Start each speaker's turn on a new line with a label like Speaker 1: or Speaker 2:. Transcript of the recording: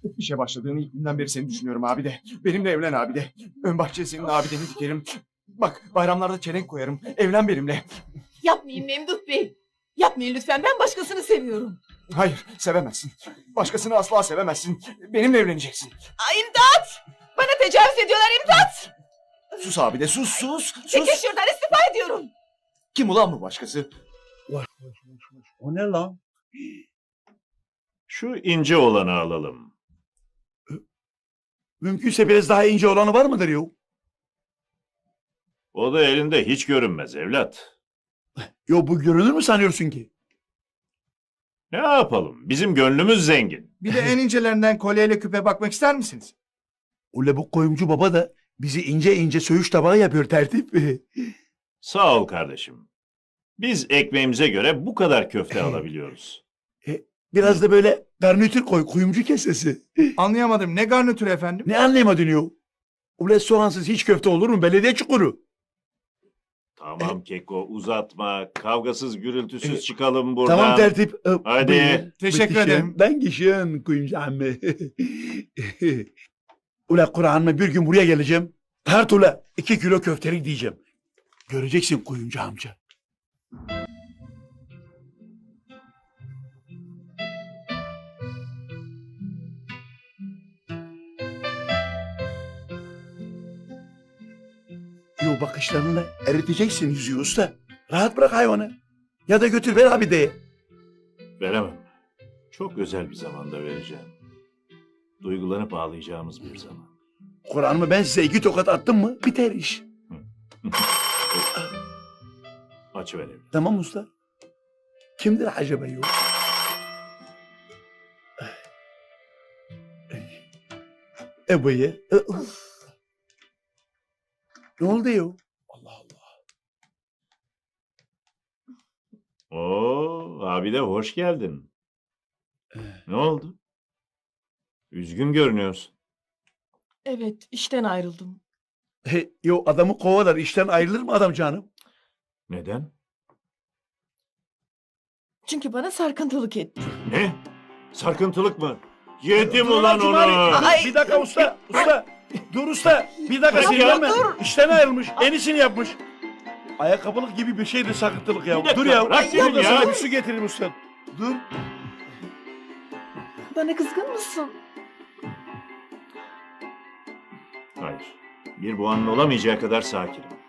Speaker 1: İşe başladığın ilk günden beri seni düşünüyorum abi de. Benimle evlen abi de. Ön bahçeye senin abideni dikerim. Bak bayramlarda çelenk koyarım. Evlen benimle.
Speaker 2: Yapmayın Memduh Bey. Yapmayın lütfen, ben başkasını seviyorum.
Speaker 1: Hayır sevemezsin. Başkasını asla sevemezsin. Benimle evleneceksin.
Speaker 2: Ay imdat! Bana tecavüz ediyorlar, imdat!
Speaker 1: Sus abi de sus.
Speaker 2: Çekil şuradan, istifa ediyorum.
Speaker 1: Kim ulan bu başkası?
Speaker 3: O ne lan?
Speaker 4: Şu ince olanı alalım.
Speaker 3: Mümkünse biraz daha ince olanı var mıdır yo?
Speaker 4: O da elinde hiç görünmez evlat.
Speaker 3: Yo bu görünür mü sanıyorsun ki?
Speaker 4: Ne yapalım? Bizim gönlümüz zengin.
Speaker 1: Bir de en incelerinden kolyeyle küpe bakmak ister misiniz?
Speaker 3: Ule bu koyumcu baba da bizi ince ince söğüş tabağı yapıyor tertip.
Speaker 4: Sağ ol kardeşim. Biz ekmeğimize göre bu kadar köfte alabiliyoruz.
Speaker 3: Biraz da böyle garnitür koy kuyumcu kesesi.
Speaker 1: Anlayamadım. Ne garnitürü efendim?
Speaker 3: Ne anlayamadın yo? Ule soğansız hiç köfte olur mu? Belediye çukuru.
Speaker 4: Tamam Keko uzatma. Kavgasız gürültüsüz çıkalım buradan.
Speaker 3: Tamam tertip.
Speaker 4: Hadi.
Speaker 3: Buyur.
Speaker 1: Teşekkür
Speaker 3: Bitişim.
Speaker 1: ederim.
Speaker 3: Ben kişiyim kuyumcu ammi. Ula Kur'an'la bir gün buraya geleceğim. Tart ula 2 kilo köftelik diyeceğim. Göreceksin kuyumcu amca. Yo bakışlarınla eriteceksin yüzüğü usta. Rahat bırak hayvanı. Ya da götür ver abi de.
Speaker 4: Veremem. Çok özel bir zamanda vereceğim. Duygulanıp ağlayacağımız bir zaman.
Speaker 3: Kur'an'ımı ben size 2 tokat attım mı biter iş.
Speaker 4: Açıver evlat.
Speaker 3: Tamam usta. Kimdir acaba yo? Ebu'ya. Ne oldu yo? Allah Allah.
Speaker 4: Oo, abi de hoş geldin. Ne oldu? Üzgün görünüyorsun.
Speaker 2: Evet, işten ayrıldım.
Speaker 3: Yo adamı kovalar işten ayrılır mı adam canım?
Speaker 4: Neden?
Speaker 2: Çünkü bana sarkıntılık etti.
Speaker 4: Ne? Sarkıntılık mı? Yedim
Speaker 3: Dur
Speaker 4: ulan
Speaker 3: lan
Speaker 4: onu.
Speaker 3: Cumali.
Speaker 2: Ay.
Speaker 3: Bir dakika usta. Usta. Dur usta. Bir dakika
Speaker 4: Bırak
Speaker 3: sinirlenme.
Speaker 4: ya,
Speaker 2: dur.
Speaker 3: İşten ayrılmış. En iyisini yapmış. Ayakkabılık gibi bir şeydi sakıntılık ya.
Speaker 4: Bir dakika,
Speaker 3: Dur ya.
Speaker 4: bırak
Speaker 3: Dur
Speaker 4: beni
Speaker 3: da
Speaker 4: ya.
Speaker 3: sana bir su getireyim usta. Dur.
Speaker 2: Bana kızgın mısın?
Speaker 4: Hayır. Bir bu anın olamayacağı kadar sakinim.